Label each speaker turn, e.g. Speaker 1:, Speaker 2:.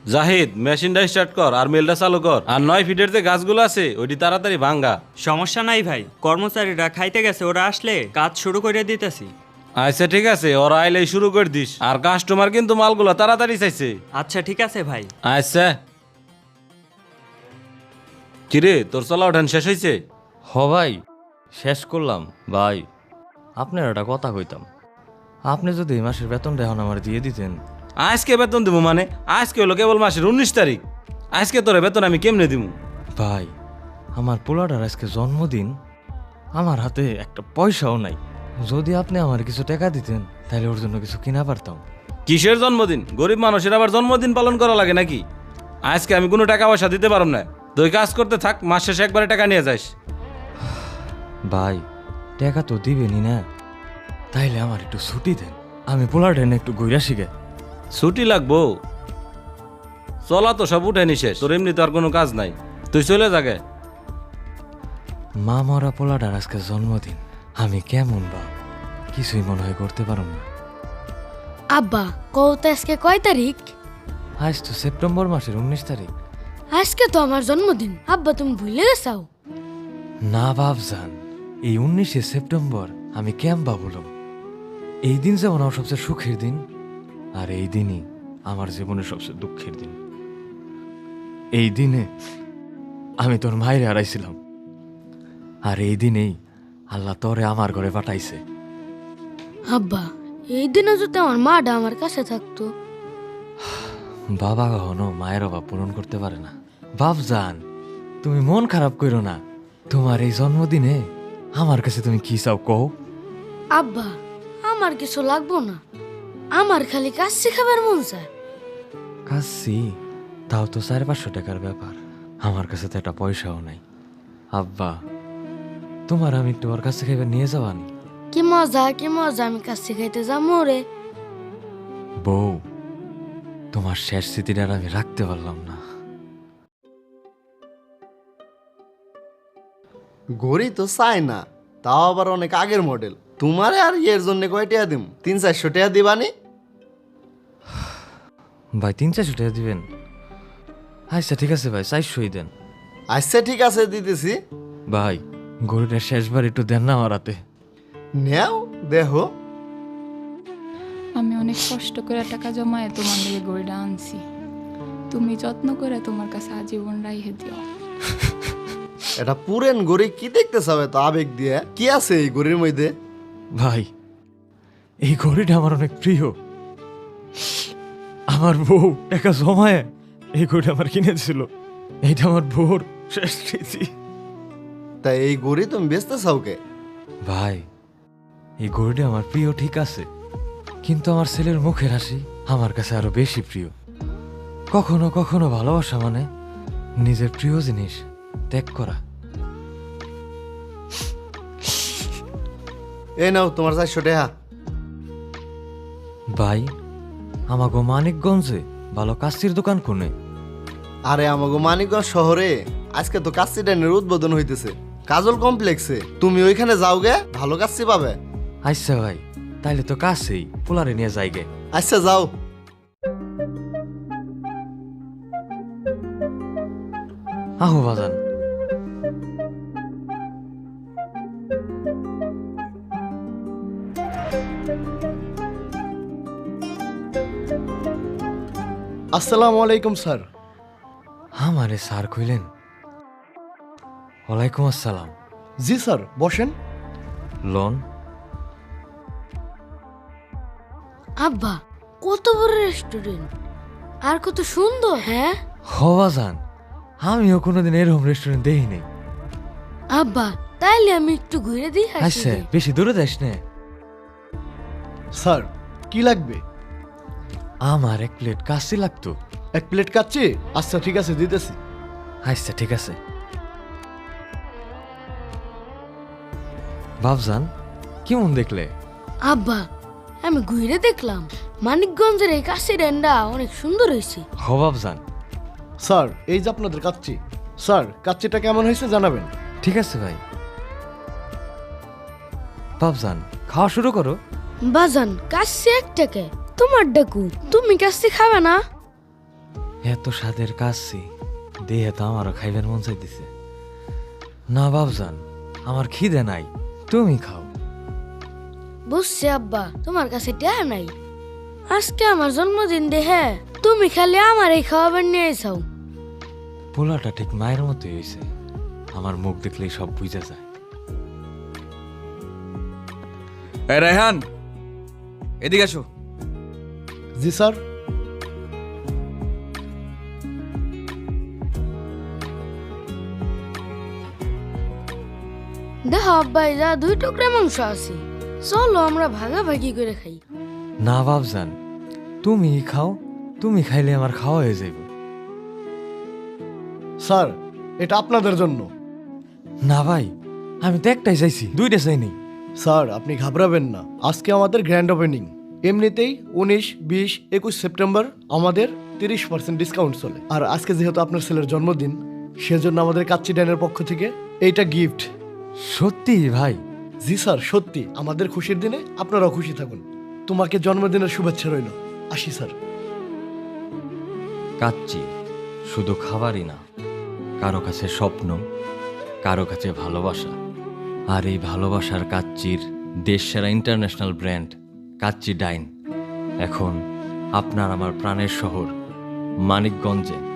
Speaker 1: জাহিদ মেশিনটা স্টার্ট কর আর মেলটা চালু কর, আর 9 ফিটের যে গাছগুলো আছে ওইটি তাড়াতাড়ি ভাঙ্গা।
Speaker 2: সমস্যা নাই ভাই, কর্মচারীরা খাইতে গেছে, ওরা আসলে কাজ শুরু করে দিতেছি।
Speaker 1: আচ্ছা ঠিক আছে, ওরা আইলেই শুরু করে দিস, আর কাস্টমার কিন্তু মালগুলো তাড়াতাড়ি চাইছে।
Speaker 2: আচ্ছা ঠিক আছে ভাই।
Speaker 1: আচ্ছা কিরে তোর চলা ওঠান শেষ হয়েছে?
Speaker 3: হ ভাই, শেষ করলাম। ভাই আপনার একটা কথা কইতাম, আপনি যদি এই মাসের বেতনটা এখন আমার দিয়ে দিতেন।
Speaker 1: আজকে বেতন দিব মানে? আজকে হলো কেবল মাসের 19 তারিখ, আজকে তোর বেতন আমি কেমনে দিব?
Speaker 3: ভাই আমার পোলাটার আজকে জন্মদিন, আমার হাতে একটা পয়সাও নাই। যদি আপনি আমার কিছু টাকা দিতেন তাহলে ওর জন্য কিছু কিনা পারতাম।
Speaker 1: কিসের জন্মদিন? গরিব মানুষের আবার জন্মদিন পালন করা লাগে নাকি? আজকে আমি কোনো টাকা পয়সা দিতে পারব না, তুই কাজ করতে থাক, মাস শেষে একবারে টাকা নিয়ে যাস।
Speaker 3: ভাই টাকা তো দিবেনই না, তাইলে আমার একটু ছুটি দেন, আমি পোলাটা এনে একটু ঘুরা শিখে।
Speaker 1: ছুটি লাগবো? চলা তো সব উঠে নিশেষ, তোর এমনি তো আর কোনো কাজ নাই, তুই চলে যাগে।
Speaker 3: মা মরা পোলাটার আজকে জন্মদিন, আমি কেমন বা কিছুই মনে হয় করতে পারব না।
Speaker 4: আব্বা কত আজকে কয় তারিখ?
Speaker 3: আজ তো সেপ্টেম্বর মাসের 19 তারিখ।
Speaker 4: আজকে তো আমার জন্মদিন, আব্বা তুমি ভুলে গেছাও?
Speaker 3: না বাপজান, এই 19শে সেপ্টেম্বর আমি কেমবা বললাম, এই দিন যেমন আমার সবচেয়ে সুখের দিন, আর এই দিনই আমার জীবনের সবচেয়ে দুঃখের দিন। এই দিনে আমি তোর মায়ের হারাইছিলাম, আর এই দিনেই আল্লাহ তোরে আমার ঘরে পাঠাইছে।
Speaker 4: আব্বা এই দিনে যদি আমার মাটা আমার কাছে থাকতো।
Speaker 3: বাবা কখনো মায়ের অভাব পূরণ করতে পারে না। বাপজান তুমি মন খারাপ করো না, তোমার এই জন্মদিনে আমার কাছে তুমি কি চাও কও?
Speaker 4: আব্বা আমার কিছু লাগবো না, আমার খালি কাজ শেখাবার মন চায়।
Speaker 3: কাশি তাও তো 400-500 টাকার ব্যাপার, আমার কাছে তো একটা পয়সাও নাই। আব্বা তোমার আমি একটু ওর কাছে খাইবার নিয়ে যাবানি।
Speaker 4: কি মজা আমি কাজ শিখাইতে যাবো রে।
Speaker 3: বউ তোমার শেষ স্মৃতিটা আর আমি রাখতে পারলাম না।
Speaker 5: ঘড়ি তো চাই না, তাও আবার অনেক আগের মডেল। তোমারে আর এর জন্য কয় টাকা দিম? 300-400 টাকা দিবানি?
Speaker 3: ভাই 300-400 টাকা দিবেন? আচ্ছা ঠিক আছে ভাই, 400ই দেন।
Speaker 5: আচ্ছা ঠিক আছে দিতেছি।
Speaker 3: ভাই গরুটা শেষবার একটু দেন না আমার হাতে।
Speaker 5: নেও দেখো।
Speaker 6: আমি অনেক কষ্ট করে টাকা জমায়ে তোমার দিকে গড়িটা আনছি, তুমি যত্ন করে তোমার কাছে আজীবন রাইহে দিও।
Speaker 5: এটা পুরেন গড়ি, কি দেখতে চাবে তো আবেগ দিয়ে? কি আছে এই গড়ির মধ্যে?
Speaker 3: ভাই এই ঘড়িটা আমার অনেক প্রিয়, আমার বউ টাকা জমায় এই ঘড়িটা আমার কিনেছিল, এইটা আমার বউর শেষ স্মৃতি।
Speaker 5: তাই এই গড়ি তুমি বেচতে চাও কে?
Speaker 3: ভাই এই ঘড়িটা আমার প্রিয় ঠিক আছে, কিন্তু আমার ছেলের মুখের হাসি আমার কাছে আরো বেশি প্রিয়। কখনো কখনো ভালোবাসা মানে নিজের প্রিয় জিনিস ত্যাগ করা।
Speaker 5: এই নাও তোমার 400 টাকা।
Speaker 3: ভাই আমাগো মানিকগঞ্জে ভালো কাস্তির দোকান কোনে?
Speaker 5: আরে আমাগো মানিকগঞ্জ শহরে আজকে তো কাচ্চি ডাইনের উদ্বোধন হইতেছে, কাজল কমপ্লেক্সে। তুমি ওইখানে যাও গে, ভালো কাচ্চি পাবে।
Speaker 3: আচ্ছা ভাই তাইলে তো কাছেই, পোলারে নিয়ে যাইগে।
Speaker 5: আচ্ছা যাও।
Speaker 3: আহো বাজান।
Speaker 7: আসসালামু আলাইকুম স্যার।
Speaker 3: আমারে স্যার কইলেন? ওয়ালাইকুম আসসালাম।
Speaker 7: জি স্যার বসেন।
Speaker 3: লোন?
Speaker 4: আব্বা কত বড় রেস্টুরেন্ট, আর কত সুন্দর। হ্যাঁ
Speaker 3: হ বাজান, আমিও কোনোদিন এরকম রেস্টুরেন্ট দেখি নাই।
Speaker 4: আব্বা তাইলে আমি একটু ঘুরে দিই।
Speaker 3: আচ্ছা বেশি দূরে যাস না।
Speaker 7: স্যার কি লাগবে?
Speaker 3: আমার 1 প্লেট কাচ্চি লাগতো।
Speaker 7: 1 প্লেট কাচ্চি? আচ্ছা ঠিক আছে দিতেছি।
Speaker 3: আচ্ছা ঠিক আছে। বাবজান কেমন দেখলে?
Speaker 4: আব্বা আমি ঘুরে দেখলাম, মানিকগঞ্জের এই কাশি রেন্ডা অনেক সুন্দর হয়েছে।
Speaker 3: হ বাবজান।
Speaker 7: স্যার এই যে আপনাদের কাচ্চি। স্যার কাচ্চিটা কেমন হয়েছে জানাবেন।
Speaker 3: ঠিক আছে ভাই। বাবজান খাওয়া শুরু করো।
Speaker 4: বাজান কাশি 1 টাকা, তোমার ডাকু, তুমি কাশি খাবে না?
Speaker 3: এত স্বাদের কাচ্চি দেহে তো আমারও খাইবার মন চাইতেছে। না বাবজান, আমার খিদে নাই, তুমি খাও।
Speaker 4: বুঝছি আব্বা, তোমার কাছে টাকা নাই। আজকে আমার জন্মদিন দেহে তুমি খালি আমার এই খাওয়াবার নিয়ে চাও।
Speaker 3: পোলাটা ঠিক মায়ের মতোই হয়েছে, আমার মুখ দেখলেই সব বুঝা যায়।
Speaker 8: এই রায়হান, এদিকে আসো।
Speaker 7: জি স্যার।
Speaker 4: দেখো আব্বাই, যা 2 টুকরা মাংস আছে, চলো আমরা ভাগাভাগি করে খাই।
Speaker 3: না বাবজান, তুমি খাও, তুমি খাইলে আমার খাওয়া হয়ে যাইব।
Speaker 7: স্যার, এটা আপনাদের জন্য।
Speaker 3: না ভাই, আমি তো একটাই চাইছি, 2টা চাইনি।
Speaker 7: স্যার, আপনি ঘাবড়াবেন না, আজকে আমাদের গ্র্যান্ড ওপেনিং। এমনিতেই 19, 20, 21 সেপ্টেম্বর আমাদের 30% ডিসকাউন্ট চলে। আর আজকে যেহেতু আপনার ছেলের জন্মদিন, সেজন্য আমাদের কাচ্চি ডাইনের পক্ষ থেকে এইটা গিফট।
Speaker 3: সত্যি ভাই?
Speaker 7: জি স্যার, সত্যি। আমাদের খুশির দিনে আপনারাও খুশি থাকুন। তোমাকে জন্মদিনের শুভেচ্ছা রইল। আসি স্যার।
Speaker 3: কাচ্চি শুধু খাবারই না, কারো কাছে স্বপ্ন, কারো কাছে ভালোবাসা। আর এই ভালোবাসার কাচ্চির দেশসেরা ইন্টারন্যাশনাল ব্র্যান্ড কাচ্চি ডাইন এখন আপনার আমার প্রাণের শহর মানিকগঞ্জে